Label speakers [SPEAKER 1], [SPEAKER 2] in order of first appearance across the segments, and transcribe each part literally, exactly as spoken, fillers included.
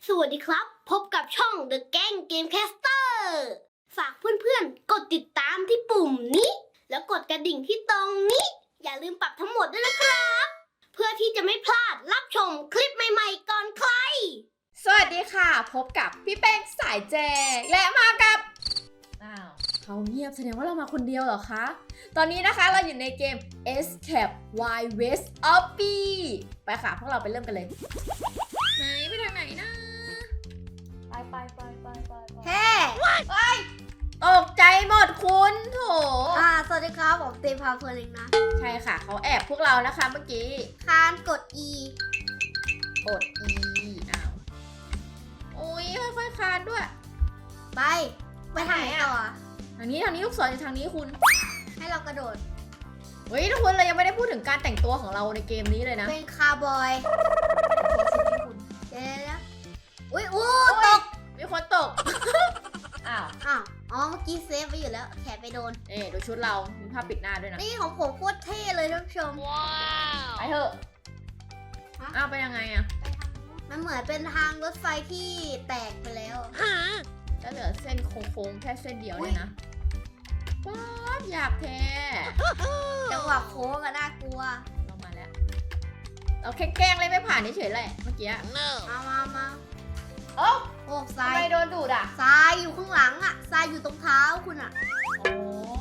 [SPEAKER 1] สวัสดีครับพบกับช่อง The Gang Gamecaster ฝากเพื่อนๆกดติดตามที่ปุ่มนี้แล้วกดกระดิ่งที่ตรงนี้อย่าลืมปรับทั้งหมดด้วยนะครับเพื่อที่จะไม่พลาดรับชมคลิปใหม่ๆก่อนใคร
[SPEAKER 2] สวัสดีค่ะพบกับพี่แป้งสายแจงและมากับอ้าวเขาเงียบแสดงว่าเรามาคนเดียวเหรอคะตอนนี้นะคะเราอยู่ในเกม Escape Wild West Obby ไปค่ะพวกเราไปเริ่มกันเลยไหนไปทางไหนนะไปไปไปไปไป
[SPEAKER 1] เฮ้
[SPEAKER 2] เฮ้ยตกใจหมดคุณโถ
[SPEAKER 1] อ่าสวัสดีครับผมเตพาเพลินเองนะ
[SPEAKER 2] ใช่ค่ะเขาแอบพวกเรานะคะเมื่อกี้
[SPEAKER 1] คานกด E
[SPEAKER 2] กด E อ้าวโอ้ยค่อยๆคานด้วย
[SPEAKER 1] ไปไปทางไหนต่อ
[SPEAKER 2] ทางนี้ทางนี้ลูกศรอยู่ทางนี้คุณ
[SPEAKER 1] ให้เรากระโดด
[SPEAKER 2] เฮ้ยทุกคนเรายังไม่ได้พูดถึงการแต่งตัวของเราในเกมนี้เลยนะ
[SPEAKER 1] เป็นคาร์บอยเดี๋ยวๆอุ้ยอู้ตก
[SPEAKER 2] มีคนตก อ้าว
[SPEAKER 1] อ้าวอ๋อเมื่อกี้เซฟไปอยู่แล้วแขนไปโดน
[SPEAKER 2] เอ๊ดูชุดเรา มีผ้าปิดหน้าด้วยนะ
[SPEAKER 1] นี่ของผมโคตรเท่เลยท่านผู้ชม
[SPEAKER 2] ไปเถอะ
[SPEAKER 1] ฮะ
[SPEAKER 2] อ้าวไปยังไงอะ
[SPEAKER 1] มันเหมือนเป็นทางรถไฟที่แตกไปแล้ว
[SPEAKER 2] จะเหลือเส้นโค้งๆแค่เส้นเดียวเนี่ยนะป๊าบอยากแท้
[SPEAKER 1] จังหวะโค้งอะน่ากลัว
[SPEAKER 2] เรามาแล้ว เราแค่แกล้งเลยไม่ผ่านเฉยๆแหละเมื่อกี้
[SPEAKER 1] มามามา
[SPEAKER 2] โอ้
[SPEAKER 1] โอ้ท
[SPEAKER 2] ทำ
[SPEAKER 1] ราย
[SPEAKER 2] ไมโดนดูดอะ
[SPEAKER 1] ทรายอยู่ข้างหลังอะทรายอยู่ตรงเท้าคุณอะ
[SPEAKER 2] โอ้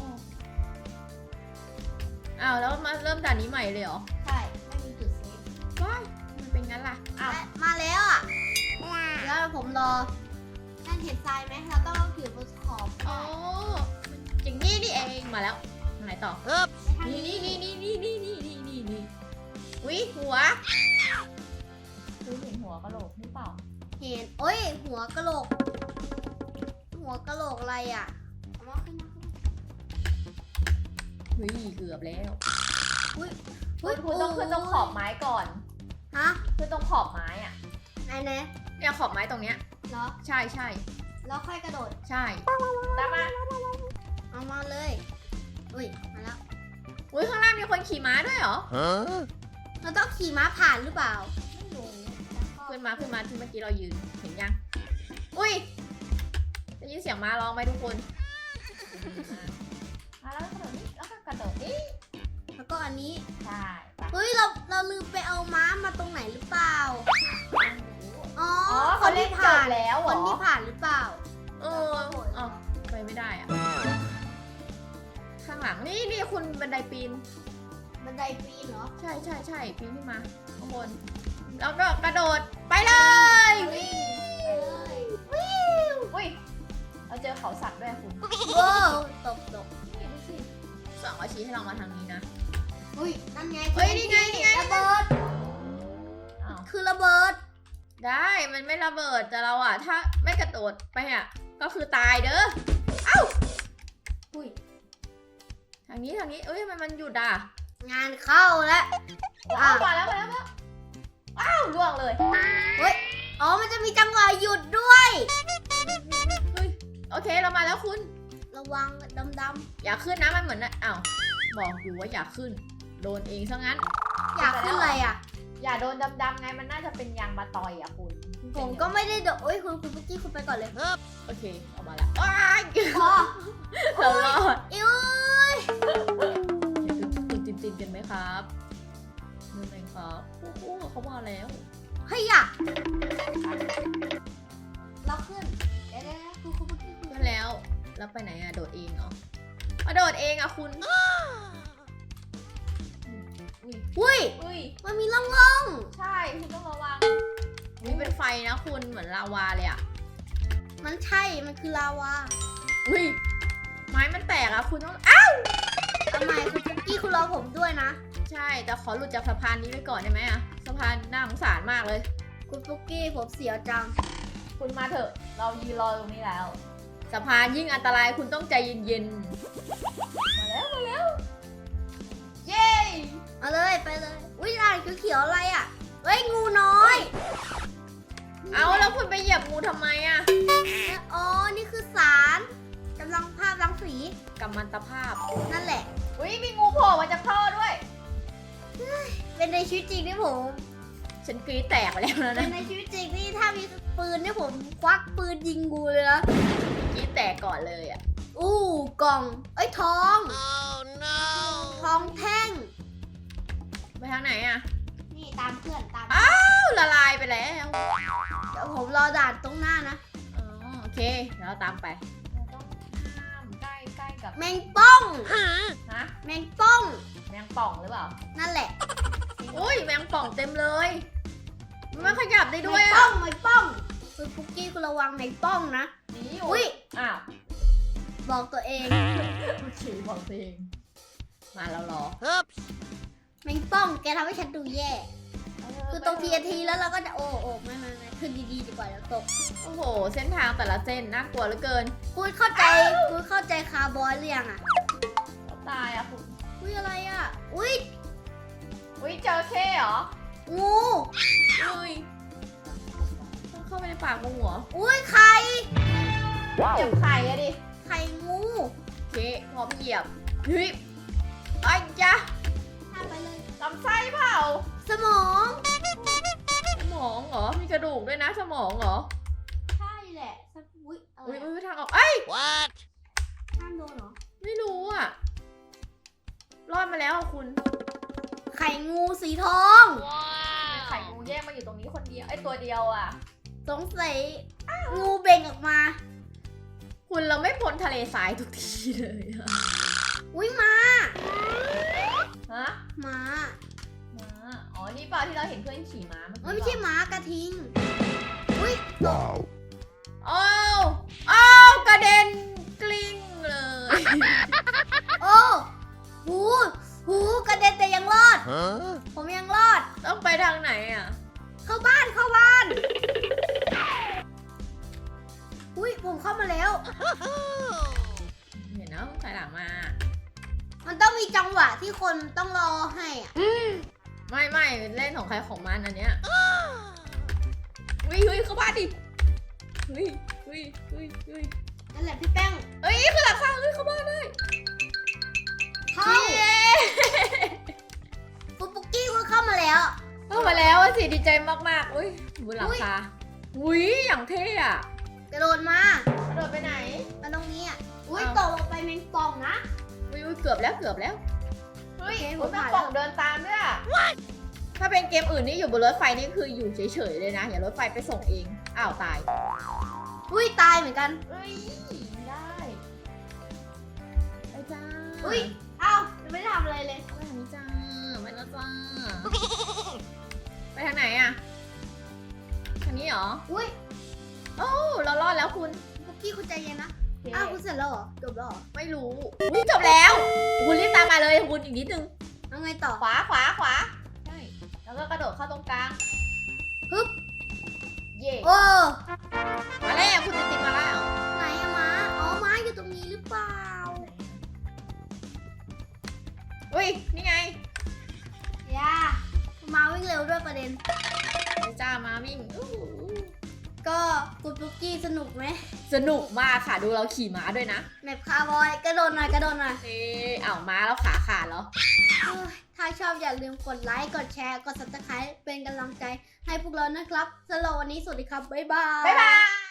[SPEAKER 2] อ้าวแล้วมาเริ่มด่านนี้ใหม่เลยเหรอ
[SPEAKER 1] ใช่ไม่มีจุดเซฟ
[SPEAKER 2] ว้ายมันเป็นงั้นล่ะอ้าว
[SPEAKER 1] มาแล้วอะแล้วผมรอนั่นเห็นทรายไหมเราต้องเอาผิวบนขอบ
[SPEAKER 2] อ๋อจริงนี่นี่เองมาแล้วทางไหนต่อ
[SPEAKER 1] ทาง
[SPEAKER 2] นี่
[SPEAKER 1] นี้
[SPEAKER 2] นี่นี่นี่นี่นี่นี่นี่นี่นี่อุ้ยหัวคุณเห็นหัวกะโหลกหรือเปล่า
[SPEAKER 1] เห็นโอ้ยหัวกะโหลก หัวกะโหลกอะไรอะเอามาขึ้นมาขึ้นมา
[SPEAKER 2] เฮ้ยเกือบแล้ว
[SPEAKER 1] อุ้ย
[SPEAKER 2] คุณคุณต้องขึ้นตรงขอบไม้ก่อน
[SPEAKER 1] ฮะ
[SPEAKER 2] ขึ้นตรงขอบไม้อะ
[SPEAKER 1] ไหนไหน
[SPEAKER 2] เนี่ยขอบไม้ตรงเนี้ย
[SPEAKER 1] เหรอ
[SPEAKER 2] ใช่ใช่
[SPEAKER 1] แล้วค่อยกระโดด
[SPEAKER 2] ใช่ตามมา
[SPEAKER 1] เอามาเลยอุ้ยมาแล้ว
[SPEAKER 2] อุ้ยข้างล่างมีคนขี่ม้าด้วยเหรอ
[SPEAKER 1] เราต้องขี่ม้าผ่านหรือเปล่า
[SPEAKER 2] ไม่รู้ขึ้นมาขึ้นมาที่เมื่อกี้เรายืนเห็นยังอุ้ยได้ยินเสียงม้าร้องไหมทุกคนมาแล้วกระโดดนี่แล้วก็กระโดดนี่
[SPEAKER 1] แล้วก็อันนี้
[SPEAKER 2] ใช่ไป
[SPEAKER 1] เฮ้ยเราเราลืมไปเอาม้ามาตรงไหนหรือเปล่า อ๋อ
[SPEAKER 2] อ๋อ
[SPEAKER 1] ค
[SPEAKER 2] เขา
[SPEAKER 1] น
[SPEAKER 2] เล่
[SPEAKER 1] ที่
[SPEAKER 2] นจ
[SPEAKER 1] ผ่า
[SPEAKER 2] บ
[SPEAKER 1] น
[SPEAKER 2] แล้วเห
[SPEAKER 1] ค
[SPEAKER 2] ร
[SPEAKER 1] น
[SPEAKER 2] อ
[SPEAKER 1] ที่ผ่านหรือเปล่า
[SPEAKER 2] เออเอ้าไปไม่ได้อะข้างหลังนี่นี่คุณบันไดปีน
[SPEAKER 1] บันไดปีนเหรอ
[SPEAKER 2] ใช่ใช่ใช่ปีนขึ้นมาข้างบนแล้วก็กระโดดไปเลยวิวอุ้ยเราเจอเขาสัตว์ด้วยคุณ
[SPEAKER 1] โว้วตกตก
[SPEAKER 2] นี่ดูสิสองอาชี้ให้เรามาทางนี้นะ
[SPEAKER 1] อุ้ยนั่นไง
[SPEAKER 2] เฮ้ยนี่ไงนี่ไง
[SPEAKER 1] ระเบิด
[SPEAKER 2] อ้าว
[SPEAKER 1] คือระเบิด
[SPEAKER 2] ได้มันไม่ระเบิดแต่เราอะถ้าไม่กระโดดไปอะก็คือตายเด้อเอ้า
[SPEAKER 1] อุ้ย
[SPEAKER 2] ทางนี้ทางนี้เอ้ยมันมันหยุดอ่ะ
[SPEAKER 1] งานเข้าแล้ว
[SPEAKER 2] อ้าวมาแล้วมาแล้วมาแล้วอ้าวล่วงเลย
[SPEAKER 1] เฮ้ยอ๋อมันจะมีจังหวะหยุดด้วย
[SPEAKER 2] เฮ้ยโอเคเรามาแล้วคุณ
[SPEAKER 1] ระวังดำด
[SPEAKER 2] อย่าขึ้นนะมันเหมือนนะอ้าวบอกอยู่ว่าอย่าขึ้น โดนเองซะงั้น
[SPEAKER 1] ำอยากขึ้นอะไรอ่ะ
[SPEAKER 2] อย่าโดนดำๆไงมันน่าจะเป็นยางมาตอยอ่ะคุณ
[SPEAKER 1] ผมก็ไม่ได้โดดโอ้ยคุณคุณเมื่อกี้คุณไปก่อนเลย
[SPEAKER 2] โอเคออกมาแล้วว้าย
[SPEAKER 1] พอ
[SPEAKER 2] เรารอด
[SPEAKER 1] อิ้ว
[SPEAKER 2] ตื่นตื่นตื่นกันไหมครับตื่นไหมครับโอ้โหเขามาแล้ว
[SPEAKER 1] เฮ้ยอ่ะเราขึ้นเดี๋ยวๆคุณคุณเมื่อกี้คุณ
[SPEAKER 2] ขึ้นแล้วแล้วไปไหนอะโดดเองเหรอมาโดดเองอะคุณอุ้ย
[SPEAKER 1] อุ้ย
[SPEAKER 2] อุ้ย
[SPEAKER 1] มันมีร่องร่อง
[SPEAKER 2] ใช่คุณต้องระวังนี่เป็นไฟนะคุณเหมือนลาวาเลยอะ
[SPEAKER 1] มันใช่ มันคือลาวา
[SPEAKER 2] อุ้ยไม้มันแตกอะคุณต้องอ้าว
[SPEAKER 1] ทำไมคุณเมื่อกี้คุณรอผมด้วยนะ
[SPEAKER 2] ใช่แต่ขอหลุดจากสะพานนี้ไปก่อนได้ไหมอะสะพานน่าสงสารมากเลย
[SPEAKER 1] คุณปุ๊กกี้ผมเสียวจัง
[SPEAKER 2] คุณมาเถอะเรายืนรอตรงนี้แล้วสะพานยิ่งอันตรายคุณต้องใจเย็นๆมาแล้วมาแล้วเย้
[SPEAKER 1] เอาเลยไปเลย อุ้ยลายเขียวๆอะไรอ่ะเฮ้ยงูน้อย
[SPEAKER 2] เอาแล้วคุณไปเหยียบงูทำไมอะ
[SPEAKER 1] อ๋อ นี่คือสารกำลังภาพรังสี
[SPEAKER 2] กัมมันตภาพ
[SPEAKER 1] นั่นแหละ
[SPEAKER 2] อุ้ยมีงูโผล่มาจากท่อด้วย
[SPEAKER 1] เป็นในชีวิตจริงที่ผม
[SPEAKER 2] ฉันกรี๊ดแตกไปแล้วนะ
[SPEAKER 1] แต่ในชีวิตจริงนี่ถ้ามีปืนเนี่ยผมควักปืนยิงงูเลยนะ
[SPEAKER 2] กรี๊ดแตกก่อนเลยอ่ะ
[SPEAKER 1] อู้กล่องเอ้ยทอง oh, no. ทองแท่ง
[SPEAKER 2] ไปทางไหนอ่ะ
[SPEAKER 1] นี่ตามเพื่อนตาม
[SPEAKER 2] อ้าวละลายไปแล้ว
[SPEAKER 1] เดี๋ยวผมรอด่านตรงหน้านะ
[SPEAKER 2] อ๋อโอเคเดี๋ยวเราตามไปเราต้องข้ามใกล้ใกล้กับ
[SPEAKER 1] แมงป้อง
[SPEAKER 2] ฮะ
[SPEAKER 1] แมงป้อง
[SPEAKER 2] แมงป่องหรือเปล่า
[SPEAKER 1] นั่นแหละ
[SPEAKER 2] อุ้ยแมงป่องเต็มเลยมันขยับได้ด้วย
[SPEAKER 1] แมง
[SPEAKER 2] อ่ะ
[SPEAKER 1] ป้องแมงป้องคุณปุกกี้คุณระวังแมงป้องนะ
[SPEAKER 2] นี่
[SPEAKER 1] อุ้ย
[SPEAKER 2] อ้าว
[SPEAKER 1] บอกตัวเอง
[SPEAKER 2] โอเคบอกตัวเองมาแล้วเหรอ
[SPEAKER 1] แมงป้องแกทำให้ฉันดูแย่ คือตรงทีทีแล้วเราก็จะโอ้โอ้ไม่ไม่ไม่ขึ้นดีๆดีกว่าแล้วตก
[SPEAKER 2] โอ้โหเส้นทางแต่ละเส้นน่ากลัวเหลือเกิน
[SPEAKER 1] คุณเข้าใจคุณเข้าใจคาร์บอยหรือยังอ่ะ
[SPEAKER 2] ตายอ่ะคุณ
[SPEAKER 1] อุ้ยอะไรอ่ะ อุ้ย
[SPEAKER 2] อุ้ยเจอเข้เหรอ
[SPEAKER 1] งู
[SPEAKER 2] อุ้ยต้องเข้าไปในปากงูเหรอ
[SPEAKER 1] อุ้ยไข่
[SPEAKER 2] เจ็บไข่อะดิ
[SPEAKER 1] ไข่งู
[SPEAKER 2] โอเคพร้อมเหยียบเฮ้ยไอ้ยะ
[SPEAKER 1] ข้ามไปเลย
[SPEAKER 2] ลำไส้เปล่า
[SPEAKER 1] สมอง
[SPEAKER 2] สมองเหรอ มีกระดูกด้วยนะสมองเหรอ
[SPEAKER 1] ใช่แหละสักอุ้ยอะไร
[SPEAKER 2] อุ้ย
[SPEAKER 1] อะ
[SPEAKER 2] อุ้ยทางออกเอ้ย
[SPEAKER 1] ห้ามโดนเหรอ
[SPEAKER 2] ไม่รู้อ่ะ รอดมาแล้วอะคุณ
[SPEAKER 1] ไข่งูสีทอง
[SPEAKER 2] ไข่งูแยกมาอยู่ตรงนี้คนเดียวไอ้ตัวเดียวอ่ะ
[SPEAKER 1] สงสัยงูเบ่งออกมา
[SPEAKER 2] คุณเราไม่พ้นทะเลทรายทุกทีเลยอะ
[SPEAKER 1] อุ้ยมา
[SPEAKER 2] ฮะ
[SPEAKER 1] มา
[SPEAKER 2] ม้าอ๋อ นี่เปล่าที่เราเห็นเพื่อนขี่ม้าเมื่อกี้
[SPEAKER 1] เอ้ยไม่ใช่หมากระทิง อุ้ยตก
[SPEAKER 2] อ้าวอ้าวกระเด็นกลิ้งเลย
[SPEAKER 1] โอ้หูหูกระเด็นแต่ยังรอด ผมยังรอด
[SPEAKER 2] ต้องไปทางไหนอ่ะ
[SPEAKER 1] เข้าบ้านเข้าบ้าน อุ้ยผมเข้ามาแล้ว
[SPEAKER 2] เห็นนะต้องถอยหลังมา
[SPEAKER 1] มันต้องมีจังหวะที่คนต้องรอให้อ่ะ
[SPEAKER 2] ไม่ไม่เล่นของใครของมันอันเนี้ยเฮ้ยเฮ้ยเข้าบ้านดิเฮ้ยเฮ้ยเฮ้ยเฮ้ย
[SPEAKER 1] นั่นแหละพี่แป้ง
[SPEAKER 2] เฮ้ยคือหลังคาเฮ้ยเข้าบ้านได้
[SPEAKER 1] เข้า
[SPEAKER 2] เย้
[SPEAKER 1] ปุ๊กปุ๊กกี้ก็เข้ามาแล้ว
[SPEAKER 2] เข้ามาแล้วอะสิดีใจมากๆอุ้ยบนหลังคาอุ้ยอย่างเท่อะ
[SPEAKER 1] กระโดดมาก
[SPEAKER 2] ระโดดไปไหน
[SPEAKER 1] มาตรงนี้อ่ะ อุ้ย
[SPEAKER 2] อ้าว
[SPEAKER 1] ตกลงไปแมงป่องนะ
[SPEAKER 2] อุ้ยอุ้ยเกือบแล้วเกือบแล้วเฮ้ย
[SPEAKER 1] โอเคผม
[SPEAKER 2] แม่
[SPEAKER 1] ผ่าน
[SPEAKER 2] ป่อง
[SPEAKER 1] แล้ว
[SPEAKER 2] เดินตามด้วยอะถ้าเป็นเกมอื่นนี่อยู่บนรถไฟนี่คืออยู่เฉยๆเลยนะอย่ารถไฟไปส่งเองอ้าวตาย
[SPEAKER 1] อุ้ยตายเหมือนกัน
[SPEAKER 2] เอ้ยได้ไปจ้า
[SPEAKER 1] อุ้ยเอ้ายังไม่ได้ทำอะไรเลย
[SPEAKER 2] ไปทางนี้จ้าไปแล้วจ้าไปทางไหนอะทางนี้เหรอ
[SPEAKER 1] อุ้ย
[SPEAKER 2] โอ้เรารอดแล้วคุณ
[SPEAKER 1] ปุ๊กกี้คุณใจเย็นนะ
[SPEAKER 2] โอเค
[SPEAKER 1] อ้าวคุณเสร็จแล้วเหรอ จบแล้วเหรอ
[SPEAKER 2] ไม่รู้อุ้ยจบแล้วคุณรีบตามมาเลยคุณอีกนิดนึง
[SPEAKER 1] เอาไงต่อ
[SPEAKER 2] ขวาขวาขวาใช่แล้วก็กระโดดเข้าตรงกลาง
[SPEAKER 1] ฮึบ
[SPEAKER 2] เย่
[SPEAKER 1] โอ้
[SPEAKER 2] มาแล้วคุณจะติดมาแล้ว
[SPEAKER 1] ไหนอะม้า อ๋อม้าอยู่ตรงนี้หรือเปล่า
[SPEAKER 2] อุ้ยนี่ไง
[SPEAKER 1] ย่าม้าวิ่งเร็วด้วยประเด็น
[SPEAKER 2] ไปจ้ามาวิ่งอู้หู
[SPEAKER 1] ก็คุณปุ๊กกี้สนุกไหม
[SPEAKER 2] สนุกมากค่ะดูเราขี่ม้าด้วยนะ
[SPEAKER 1] แมปคาร์บอยกระโดดหน่อยกระโดดหน่อย
[SPEAKER 2] เอ๊ะอ้าวม้าแล้วขาขาดเหรอ
[SPEAKER 1] เอ้ยถ้าชอบอย่าลืมกดไลค์ กดแชร์ กด ซับสไครบ์ เป็นกำลังใจให้พวกเรานะครับสำหรับวันนี้สวัสดีครับ บ๊ายบาย
[SPEAKER 2] บ๊ายบาย